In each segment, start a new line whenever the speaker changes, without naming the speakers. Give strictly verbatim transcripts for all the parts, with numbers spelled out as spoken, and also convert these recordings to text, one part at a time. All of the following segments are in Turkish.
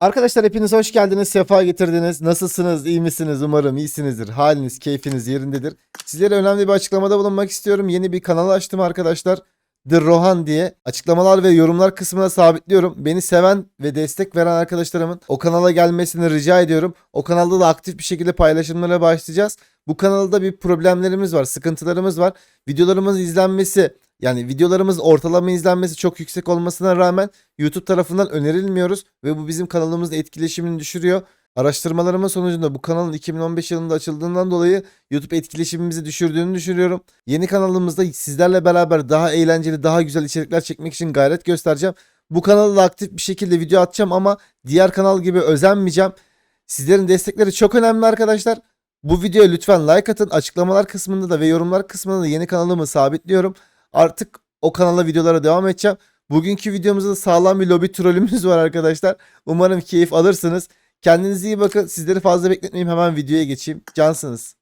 Arkadaşlar hepiniz hoş geldiniz, sefa getirdiniz. Nasılsınız, iyi misiniz? Umarım iyisinizdir. Haliniz, keyfiniz yerindedir. Sizlere önemli bir açıklamada bulunmak istiyorum. Yeni bir kanal açtım arkadaşlar. The Rohan diye. Açıklamalar ve yorumlar kısmına sabitliyorum. Beni seven ve destek veren arkadaşlarımın o kanala gelmesini rica ediyorum. O kanalda da aktif bir şekilde paylaşımlara başlayacağız. Bu kanalda bir problemlerimiz var, sıkıntılarımız var. Videolarımızın izlenmesi, yani videolarımız ortalama izlenmesi çok yüksek olmasına rağmen YouTube tarafından önerilmiyoruz ve bu bizim kanalımızın etkileşimini düşürüyor. Araştırmalarımın sonucunda bu kanalın iki bin on beş yılında açıldığından dolayı YouTube etkileşimimizi düşürdüğünü düşünüyorum. Yeni kanalımızda sizlerle beraber daha eğlenceli, daha güzel içerikler çekmek için gayret göstereceğim. Bu kanalda aktif bir şekilde video atacağım ama diğer kanal gibi özenmeyeceğim. Sizlerin destekleri çok önemli arkadaşlar. Bu videoya lütfen like atın. Açıklamalar kısmında da ve yorumlar kısmında da yeni kanalımı sabitliyorum. Artık o kanala videolara devam edeceğim. Bugünkü videomuzda da sağlam bir lobi trolümüz var arkadaşlar. Umarım keyif alırsınız. Kendinize iyi bakın. Sizleri fazla bekletmeyeyim. Hemen videoya geçeyim. Cansınız.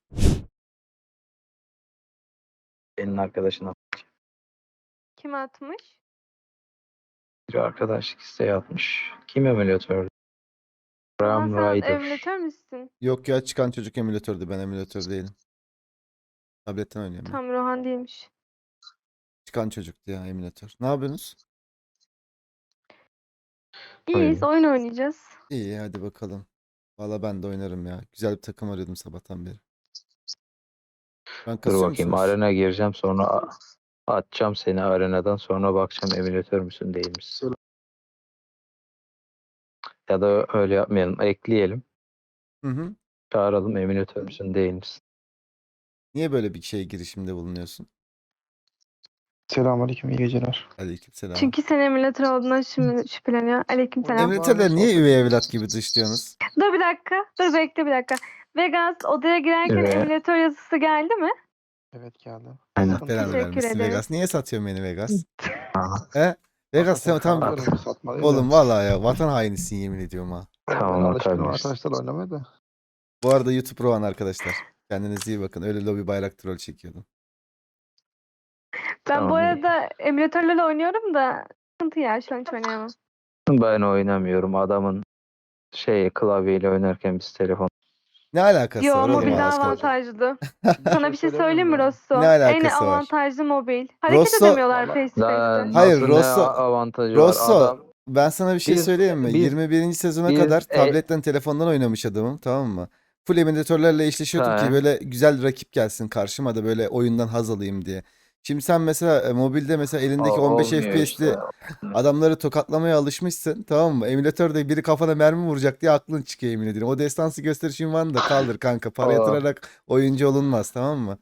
Senin arkadaşına
Kim atmış?
bir arkadaşlık isteği atmış. Kim emülatör?
Ama
Ram
sen
Rider.
emülatör müsün?
Yok ya, çıkan çocuk emülatördü. Ben emülatör değilim. Tabletten oynuyorum ben.
Tam Rohan değilmiş.
Çıkan çocuktu ya emülatör. Ne yapıyorsunuz?
İyiyiz, oyun oynayacağız.
İyi, hadi bakalım. Valla ben de oynarım ya. Güzel bir takım arıyordum sabahtan beri. Ben
Dur
kasıyor
bakayım,
musunuz?
arena gireceğim, sonra a- atacağım seni arenadan, sonra bakacağım emülatör müsün değil misin? Ya da öyle yapmayalım, ekleyelim.
Hı hı.
Çağıralım, emülatör müsün değil misin?
Niye böyle bir şey girişimde bulunuyorsun?
Selamünaleyküm, iyi geceler.
Aleykümselam.
Çünkü sen emülatör olduğundan şimdi şüpheleniyor. Aleykümselam.
Emülatörler niye üvey evlat gibi dışlıyorsunuz?
Dur bir dakika. Dur bekle bir dakika. Vegas odaya girerken
Evet.
emülatör yazısı geldi mi?
Evet geldi.
Aynen.
Allah belanı
Teşekkür
vermesin
ederim.
Vegas. Niye satıyorsun beni Vegas?
Aha,
He? Vegas sen tam...
Hakikaten satma değil
Oğlum
de.
vallahi ya, vatan hainisin yemin ediyorum ha.
Ben
tamam,
alışkınım
atabilirsin.
arkadaşlar oynamaya da.
Bu arada YouTube Rohan arkadaşlar. Kendinize iyi bakın. Öyle lobi bayrak troll çekiyordum.
Ben
Tamam,
bu
iyi.
arada emülatörlerle oynuyorum da sıkıntı ya, şu an hiç oynayamam.
Ben oynamıyorum, adamın şey klavyeyle oynarken biz telefon.
Ne alakası
Yo,
var oğlum
mobil
Allah
daha
aşkına?
avantajlı. Sana bir şey söyleyeyim mi Rosso?
Ne
En
alakası var?
avantajlı mobil. Hareket
Rosso-
edemiyorlar
Vallahi-
face to
Daha
face'te.
Hayır,
nasıl, ne
Rosso-
avantajı
Rosso,
var? Adam
ben sana bir şey
Biz-
söyleyeyim mi?
biz-
yirmi birinci sezona
biz-
kadar
e-
tabletten telefondan oynamış adamım, tamam mı? Full emülatörlerle eşleşiyordum ki
He.
böyle güzel rakip gelsin karşıma da böyle oyundan haz alayım diye. Şimdi sen mesela e, mobilde mesela elindeki
O-
on beş
olmuyor
F P S'li
işte.
adamları tokatlamaya alışmışsın, tamam mı? Emülatörde biri kafana mermi vuracak diye aklın çıkıyor, yemin ederim. O destansı gösteriş ünvanını da kaldır kanka. Para
O-
yatırarak oyuncu olunmaz, tamam mı?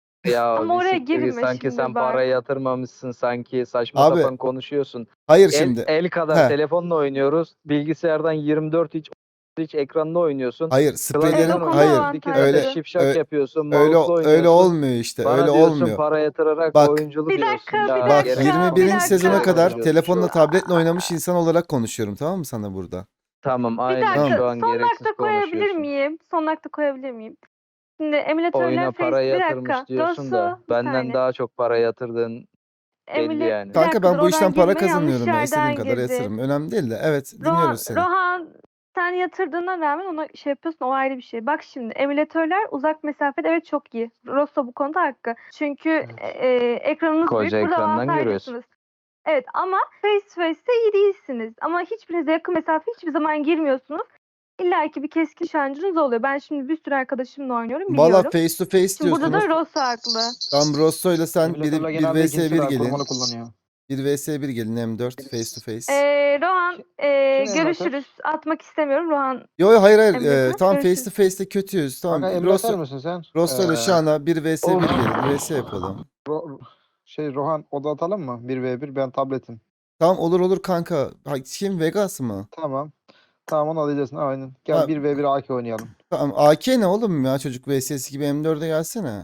Ya
Ama
bir
oraya
siktir git.
girme
Sanki
şimdi
sen
bak.
para yatırmamışsın, sanki saçma
Abi,
sapan konuşuyorsun.
hayır
El,
şimdi.
el kadar
He.
telefonla oynuyoruz. Bilgisayardan yirmi dört inç inç ekranla oynuyorsun.
Hayır,
Evet,
spreylerin
o konuda
hayır.
iki dakika
Öyle
şipşak
ö-
yapıyorsun.
öyle
Mouse'la oynuyorsun.
öyle olmuyor işte.
Bana
Öyle
diyorsun
olmuyor.
para yatırarak
Bak-
oyunculu
Bir
diyorsun.
dakika,
Ya,
bir
Bak
dakika,
gerek yok.
bir
21.
dakika.
sezona kadar
Konuşuyorsun
telefonla
şu an.
tabletle oynamış insan olarak konuşuyorum, tamam mı sana burada?
Tamam,
Bir
aynen
dakika,
şu an
son
gereksiz
dakika koyabilir
konuşuyorsun.
miyim? Son dakika koyabilir miyim? Şimdi emülatörler
Oyuna
face...
para
Bir
yatırmış
dakika.
diyorsun da
Rosso, bir
benden
saniye.
daha çok para yatırdığın belli
Emüle...
yani.
Bir
Kanka
dakika,
ben
dur,
bu
oradan
işten para
girme, yanlış
kazanıyorum ya. İstediğim
yerden
kadar
girdin.
yatırırım. Önemli değil de. Evet,
Rohan,
dinliyoruz seni.
Rohan, sen yatırdığına rağmen ona şey yapıyorsun, o ayrı bir şey. Bak şimdi emülatörler uzak mesafede evet çok iyi. Rosso bu konuda hakkı. Çünkü
Evet.
e, ekranınız
Koca
büyük, burada
ekrandan
avantajlısınız.
görüyorsun.
Evet ama face to face'te iyi değilsiniz. Ama hiçbirinize yakın mesafe hiçbir zaman girmiyorsunuz. İlla ki bir keskin nişancınız oluyor. Ben şimdi bir sürü arkadaşımla oynuyorum,
Valla
biliyorum.
face to face
Şimdi burada
diyorsunuz.
da Rosso haklı.
Tam Rosso'yla sen bir,
Emülatörler
bir
genelde
vs
ikincisi
bir
var,
gelin.
korumalı kullanıyor.
bir vs bir gelin M dört face to face.
Ee, Rohan, e,
Kim emülatör?
görüşürüz. Atmak istemiyorum Rohan.
Yo yo, hayır hayır.
Emülatör,
Ee, tamam, face
görüşürüz.
to face'te kötüyüz. Tamam.
Kanka emülatör
Rosso,
müsün sen?
Rosso ile
Ee,
Şana bir vs bir
Of.
gelin. vs yapalım.
Ro- şey Rohan oda atalım mı? bir ve bir ben tabletim.
Tamam, olur olur kanka. Ha, kim, Vegas mı?
Tamam. Tamam onu alacaksın aynen. Gel
Ha,
bir ve bir A K oynayalım.
tamam. A K ne oğlum ya? Çocuk V S S gibi M dörde gelsene.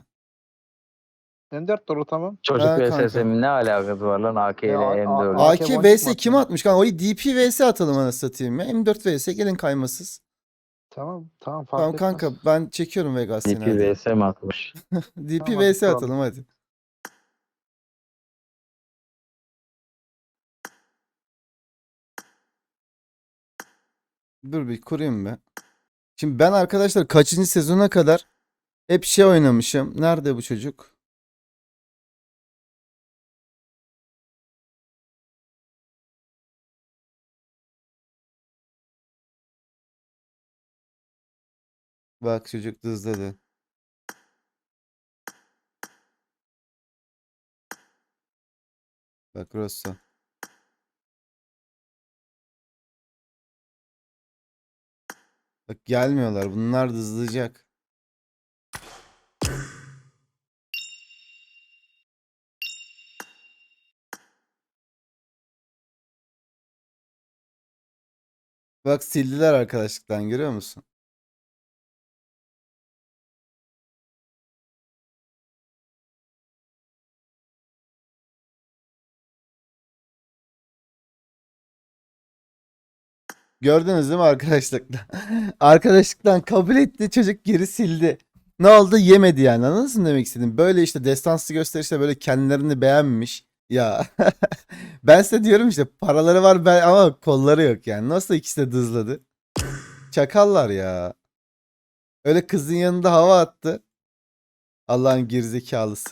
M dört doğru tamam.
Çocuk
Ha,
V
kanka.
S S'in ne alakası var lan A K
E,
ile
A-
M
A-
dört?
A-
A K
Boncuk
V S
mu
kim
atıyor?
atmış kanka? O D P V S atalım anasını satayım ya. M dört V S gelin kaymasız.
Tamam tamam fark
Tamam
etmez.
kanka, ben çekiyorum Vegas seni
D P
hadi.
V S mi atmış?
D P
Tamam,
V S
kuralım.
atalım hadi. Dur bir kurayım be. Şimdi ben arkadaşlar kaçıncı sezona kadar hep şey oynamışım. Nerede bu çocuk? Bak çocuk dızladı. Bak Rosso. Bak gelmiyorlar. Bunlar dızlayacak. Bak sildiler arkadaşlıktan görüyor musun? Gördünüz değil mi arkadaşlıktan? Arkadaşlıktan kabul etti çocuk geri sildi. Ne oldu? Yemedi yani. Anladınız mı demek istedim? Böyle işte destansı gösterişte böyle kendilerini beğenmiş. Ya ben size diyorum işte paraları var ben ama kolları yok yani. Nasıl ikisi de dızladı? Çakallar ya. Öyle kızın yanında hava attı. Allah'ın gerizekalısı.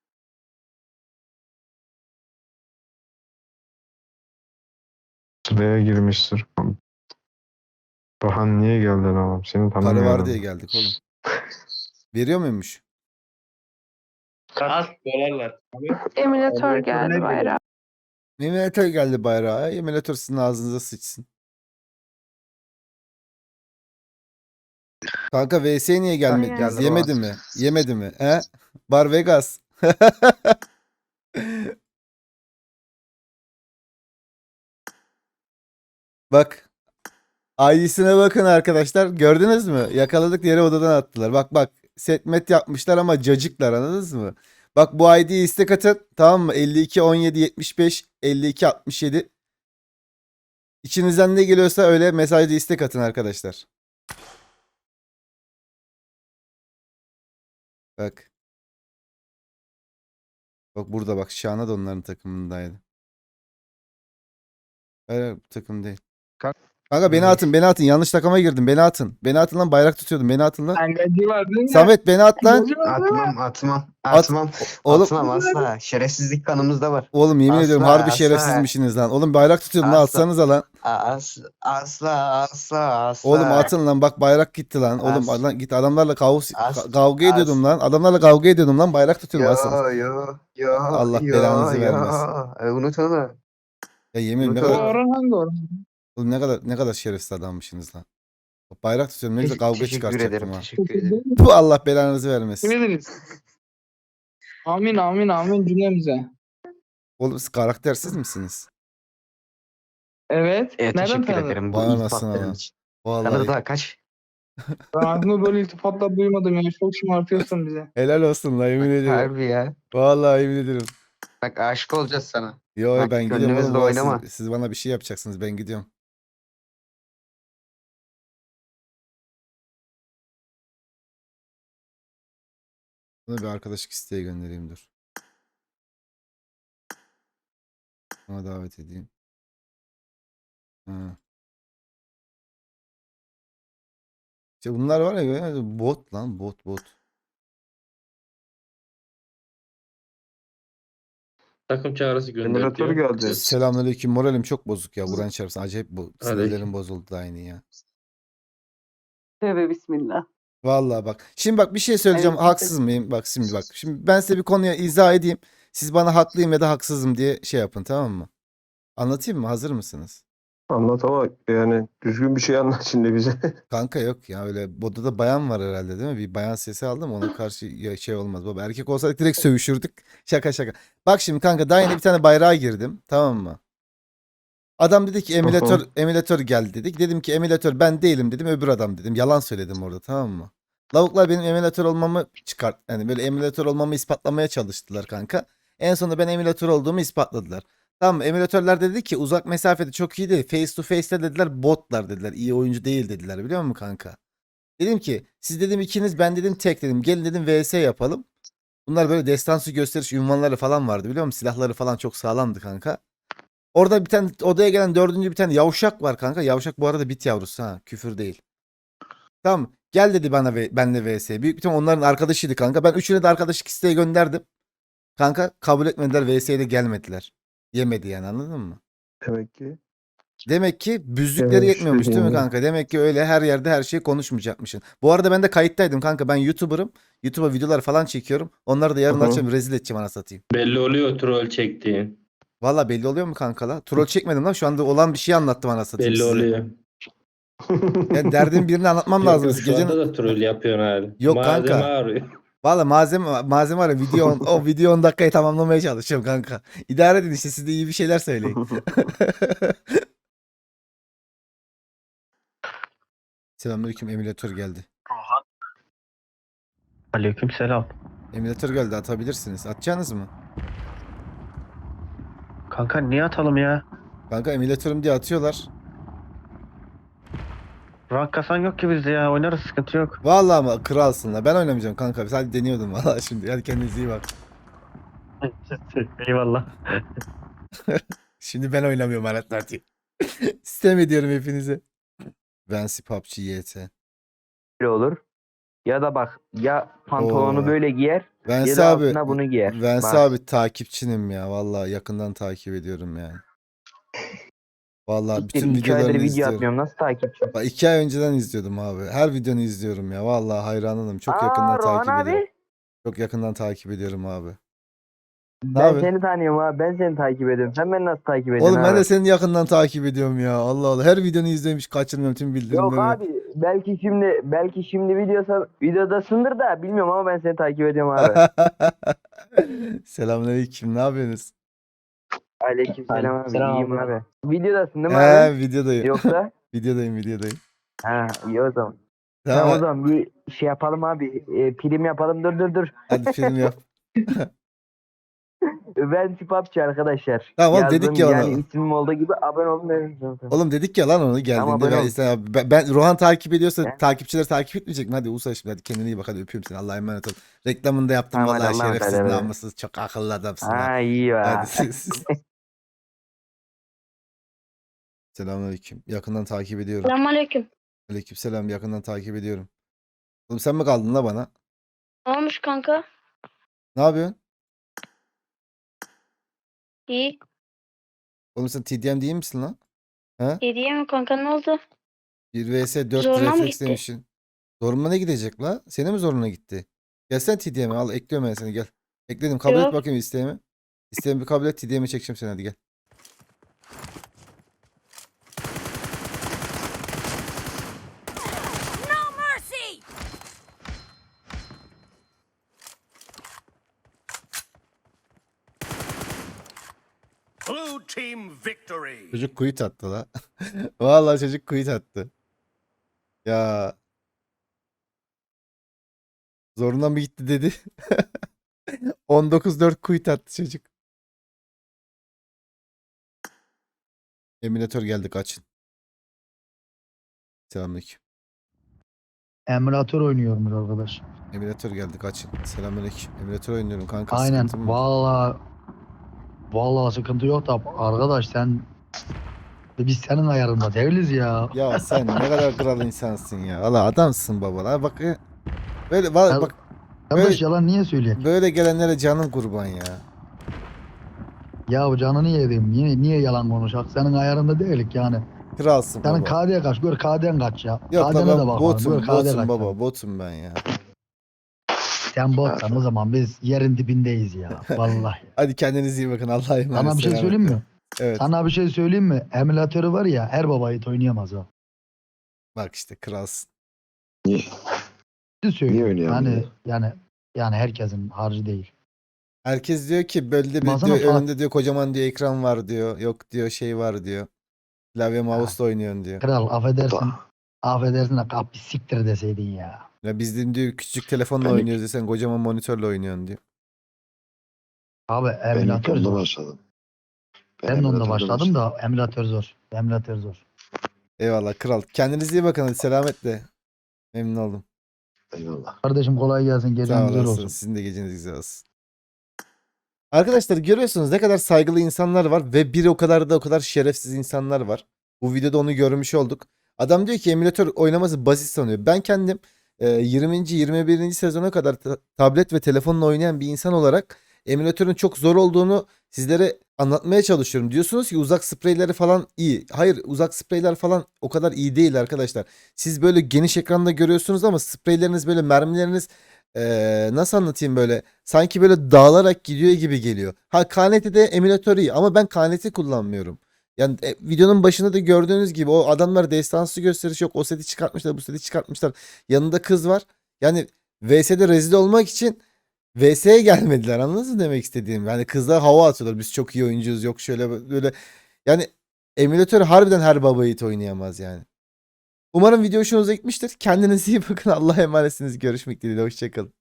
Sıraya girmiştir. Bahan niye geldin oğlum? Seni
Para
tanımıyorum.
var diye geldik oğlum. Veriyor muymuş?
Kaç dolarlar?
Emülatör
Emülatör
geldi
ne
bayrağı.
Emülatör geldi bayrağa. Emülatör sizin ağzınıza sıçsın. Kanka V S niye gelmedi?
Geldi
Biz yemedi mi? Yemedi mi? He? Bar Vegas. Bak. I D'sine bakın arkadaşlar. Gördünüz mü? Yakaladık diğeri odadan attılar. Bak bak. Setmet yapmışlar ama cacıklar anladınız mı? Bak bu I D'yi istek atın. Tamam mı? elli iki on yedi yetmiş beş elli iki altmış yedi. İçinizden ne geliyorsa öyle mesajda istek atın arkadaşlar. Bak. Bak burada bak. Şahane da onların takımındaydı. Öyle bu takım değil.
Kanka-
Kanka beni atın beni atın. Yanlış takıma girdim. Beni atın. Beni atın lan bayrak tutuyordum. Beni atın lan.
Engacı var değil mi?
Samet beni at lan.
Engacı var değil mi?
Atmam atmam
At-
atmam
Oğlum
atmam asla. Şerefsizlik kanımızda var.
oğlum yemin ediyorum
Asla,
harbi
asla.
şerefsizmişsiniz lan. Oğlum bayrak tutuyordum lan
Asla.
atsanıza lan.
As, asla asla asla.
Oğlum atın lan bak bayrak gitti lan. Oğlum
As-
lan git adamlarla kavga,
As-
kavga
as-
ediyordum lan. Adamlarla kavga ediyordum lan bayrak tutuyordum atsanız.
Yo yo yo.
Allah
yo,
belanızı
yo.
vermesin.
E, unut onu.
Ya yemin ederim ne
Bu
Bu
kadar,
Orhan hangi Orhan?
oğlum ne kadar ne kadar şerefsiz adammışsınız lan. Bayrak tutuyorum ne güzel
Teş-
kavga
teşekkür
çıkartacaktım
ederim.
ha.
Teşekkür ederim.
Bu Allah belanızı
Teşekkür
vermesin.
ederiz. Amin amin amin cümlemize.
Oğlum siz karaktersiz misiniz?
Evet.
Evet,
Nereden
teşekkür
tanıdın?
ederim bu
Vay anasını
iltifatların
lan.
için.
Vallahi
Tanrı daha kaç?
Ben hayatımda böyle iltifatlar duymadım ya. Çok şımartıyorsun bize.
helal olsun lan yemin ediyorum.
Harbi ya.
Vallahi yemin ediyorum.
Bak aşık olacağız sana.
Yo
Bak,
ben gidiyorum
gönlümüzle
oğlum. Vallahi siz-
oynama.
Siz, bana bir şey yapacaksınız ben gidiyorum. Bunu bir arkadaşlık isteği göndereyim dur. Ona davet edeyim. Ha. İşte bunlar var ya bot lan bot bot.
Takım çağrısı gönder
Emülatör
diyor.
geldi.
Selamünaleyküm moralim çok bozuk ya. Buran çarpsın acayip bu sinirlerim
Aleyküm.
bozuldu da aynı ya.
Tövbe bismillah.
Vallahi bak. Şimdi bak bir şey söyleyeceğim.
Aleyküm
Haksız mıyım? Bak şimdi bak. Şimdi ben size bir konuya izah edeyim. Siz bana haklıyım ya da haksızım diye şey yapın tamam mı? Anlatayım mı? Hazır mısınız?
Anlat ama yani düzgün bir şey anlat şimdi bize.
Kanka yok ya öyle bodada bayan var herhalde değil mi? Bir bayan sesi aldım ona karşı ya şey olmaz. Baba erkek olsaydık direkt sövüşürdük. Şaka şaka. Bak şimdi kanka daha yeni bir tane bayrağa girdim. Tamam mı? Adam dedi ki emülatör emülatör geldi dedik. Dedim ki emülatör ben değilim dedim. Öbür adam dedim. Yalan söyledim orada tamam mı? Lavuklar benim emülatör olmamı çıkart. Yani böyle emülatör olmamı ispatlamaya çalıştılar kanka. En sonunda ben emülatör olduğumu ispatladılar. Tamam mı? Emülatörler dedi ki uzak mesafede çok iyi değil. Face to face'te dediler botlar dediler. İyi oyuncu değil dediler biliyor musun kanka? Dedim ki siz dedim ikiniz ben dedim tek dedim. Gelin dedim V S yapalım. Bunlar böyle destansı gösteriş ünvanları falan vardı biliyor musun? Silahları falan çok sağlamdı kanka. Orada bir tane odaya gelen dördüncü bir tane yavşak var kanka. Yavşak bu arada bit yavrusu ha. Küfür değil. Tamam. Gel dedi bana ve benle vs. Büyük bir ihtimal onların arkadaşıydı kanka. Ben üçüne de arkadaşlık isteği gönderdim. Kanka kabul etmediler. V S'ye de gelmediler. Yemedi yani, anladın mı?
Demek ki.
Demek ki büzükleri
Evet,
yetmiyormuş değil mi
dediğin
kanka? Demek ki öyle her yerde her şeyi konuşmayacakmışsın. Bu arada ben de kayıttaydım kanka. Ben YouTuber'ım. YouTube'a videolar falan çekiyorum. Onları da yarın
Hı hı.
açacağım. Rezil edeceğim ana satayım.
Belli oluyor troll çektiğin.
Valla belli oluyor mu kanka la? Troll çekmedim lan. Şu anda olan bir şey anlattım ana satayım
Belli
size.
oluyor.
Yani derdin birini anlatmam
Yok
lazım.
yok şu
Gecenin...
anda da troll yapıyorsun abi.
Yok
Malzeme
kanka.
arıyor.
Valla malzeme, malzeme var ya, video on- o video on dakikayı tamamlamaya çalışıyorum kanka. İdare edin işte, siz de iyi bir şeyler söyleyin. Selamünaleyküm, emülatör geldi.
Aleykümselam.
Emülatör geldi, atabilirsiniz. Atacaksınız mı?
Kanka niye atalım ya?
Kanka emülatörüm diye atıyorlar.
Rank kasan yok ki bizde ya. Oynarız, sıkıntı yok.
Vallahi ama kralsın la. Ben oynamayacağım kanka. Sadece deniyordum valla şimdi. Hadi kendinize iyi bak.
Eyvallah.
Şimdi ben oynamıyorum aletler diye. Sistem ediyorum hepinize. Vensi P U B G Y T.
Böyle olur. Ya da bak ya pantolonu
Oo.
böyle giyer ya
Vensi
da
abi.
altına bunu giyer.
Vensi
Bak.
abi takipçinim ya. Vallahi yakından takip ediyorum yani. Vallahi bütün
İki aydır
videolarını
video
izliyorum.
atmıyorum. Nasıl takipçi?
Bak iki ay önceden izliyordum abi. Her videonu izliyorum ya. Vallahi hayranım. Çok
Aa,
yakından
Rohan
takip
abi.
ediyorum. Çok yakından takip ediyorum abi. Ne
Ben
yapıyorsun?
seni tanıyorum abi. Ben seni takip ediyorum. Sen beni nasıl takip ediyorsun
Oğlum ben
abi?
de seni yakından takip ediyorum ya. Allah Allah. Her videonu izlemiş, kaçırmıyorum tüm bildirimleri.
Yok abi. Belki şimdi belki şimdi videosa videodasındır da bilmiyorum ama ben seni takip ediyorum abi.
Selamünaleyküm. Ne yapıyorsunuz?
Aleykümselam abi.
Aleykümselam
İyiyim
abi.
abi. Videodasın değil mi
He,
abi?
videodayım.
Yoksa?
Videodayım, videodayım.
Ha iyi o zaman. Tamam,
Tamam.
o zaman bir şey yapalım abi. E, prim yapalım. Dur dur dur.
Hadi film yap.
Ben P U B G arkadaşlar.
Tamam oğlum,
Yazdım,
dedik ya
yani
ona.
ismim olduğu gibi abone olun dedim zaten.
Oğlum dedik ya lan onu
Tamam,
geldiğinde.
abone
Ben,
ol.
işte, ben, ben Rohan takip ediyorsa
Ben-
takipçiler takip etmeyecek mi? Hadi Usa şimdi, hadi kendine iyi bak, hadi öpüyorum seni. Allah'a emanet ol. Reklamını da yaptım
Tamam, hadi
vallahi,
Allah'a emanet,
şerefsiz
hadi, hadi.
namussuz, çok akıllı adamsın ha.
Ha iyi
Hadi
var.
siz. Selamünaleyküm. Yakından takip ediyorum.
Selamünaleyküm.
Aleykümselam, yakından takip ediyorum. Oğlum sen mi kaldın la bana?
Ne olmuş kanka?
Ne yapıyorsun?
İyi.
Oğlum sen T D M değil misin lan?
Hediye mi kanka, ne oldu?
bir vs dört
Zoruna mı
refleks
gitti?
demişsin. Zoruma ne gidecek la? Senin mi zoruna gitti? Gelsene T D M'e, al ekliyorum ben seni, gel. Ekledim, kabul et
Yok.
bakayım isteğimi. İsteğimi bir kabul et, T D M'e çekeceğim seni, hadi gel.
Blue team victory.
Çocuk quit attı la. Vallahi çocuk quit attı. Ya. Zoruna mı gitti dedi. on dokuz dört quit attı çocuk. Emülatör geldi, kaçın. Selamünaleyküm.
Emülatör oynuyorum arkadaş.
Emülatör geldi, kaçın. Selamünaleyküm. Emülatör oynuyorum kanka.
Aynen.
sıkıntın mı var?
Vallahi vallahi sıkıntı yok da arkadaş sen biz senin ayarında değiliz ya.
Ya sen ne kadar kral insansın ya. Valla adamsın baba. La bak e, böyle valla
Ya-
bak
Arkadaş
böyle-
yalan niye söyleyeyim?
böyle gelenlere canım kurban ya.
Ya canını yedim. Niye niye yalan konuşak? Senin ayarında değilik yani.
Kralsın
Senin
baba.
K D'ye kaç. Gör K D'en kaç ya.
Yok la
K D'ne de
ben
bak.
botum,
Gör K D
botum
kaç.
baba, botum ben ya.
Sen botsan o zaman biz yerin dibindeyiz ya. Vallahi.
Hadi kendinize iyi bakın, Allah'a emanet.
Sana bir şey söyleyeyim mi?
Evet.
Sana bir şey söyleyeyim mi? Emülatörü var ya her baba yiğit oynayamaz o.
Bak işte kralsın.
Niye?
Bir söyleyeyim.
Niye oynayamaz
Yani
ya?
yani yani herkesin harcı değil.
Herkes diyor ki böyle bir
Baksana
diyor,
Fatih-
önünde diyor kocaman diyor ekran var diyor. Yok diyor şey var diyor. Klavye mouse'la oynuyorsun diyor.
Kral affedersin. Affedersin de kapı siktir deseydin ya.
Ya biz de diyor küçük telefonla
Benim-
oynuyoruz diyor, sen kocaman monitörle oynuyorsun diyor.
Abi
Ben ilk
emülatör
onda
zor.
başladım.
Ben de onda
emülatörde
başladım da emülatör zor. Emülatör zor.
Eyvallah kral. Kendinize iyi bakın, hadi selametle. Memnun oldum.
Eyvallah.
Kardeşim kolay gelsin.
Sağ
Gecen güzel
olasın.
olsun.
Sizin de geceniz güzel olsun. Arkadaşlar görüyorsunuz ne kadar saygılı insanlar var ve bir o kadar da o kadar şerefsiz insanlar var. Bu videoda onu görmüş olduk. Adam diyor ki emülatör oynaması basit sanıyor. Ben kendim e, yirminci yirmi birinci sezona kadar ta- tablet ve telefonla oynayan bir insan olarak emülatörün çok zor olduğunu sizlere anlatmaya çalışıyorum. Diyorsunuz ki uzak spreyleri falan iyi. Hayır, uzak spreyler falan o kadar iyi değil arkadaşlar. Siz böyle geniş ekranda görüyorsunuz ama spreyleriniz böyle mermileriniz ee, nasıl anlatayım böyle sanki böyle dağılarak gidiyor gibi geliyor. Ha K N T'de emülatör iyi ama ben K N T kullanmıyorum. Yani e, videonun başında da gördüğünüz gibi o adamlar destansı gösteriş yok. O seti çıkartmışlar, bu seti çıkartmışlar. Yanında kız var. Yani V S'de rezil olmak için V S'ye gelmediler. Anladınız mı demek istediğim? Yani kızlar hava atıyorlar. Biz çok iyi oyuncuyuz. Yok şöyle böyle. Yani emülatör harbiden her baba yiğit oynayamaz yani. Umarım video hoşunuza gitmiştir. Kendinize iyi bakın. Allah'a emanetsiniz. Görüşmek dileğiyle. Hoşçakalın.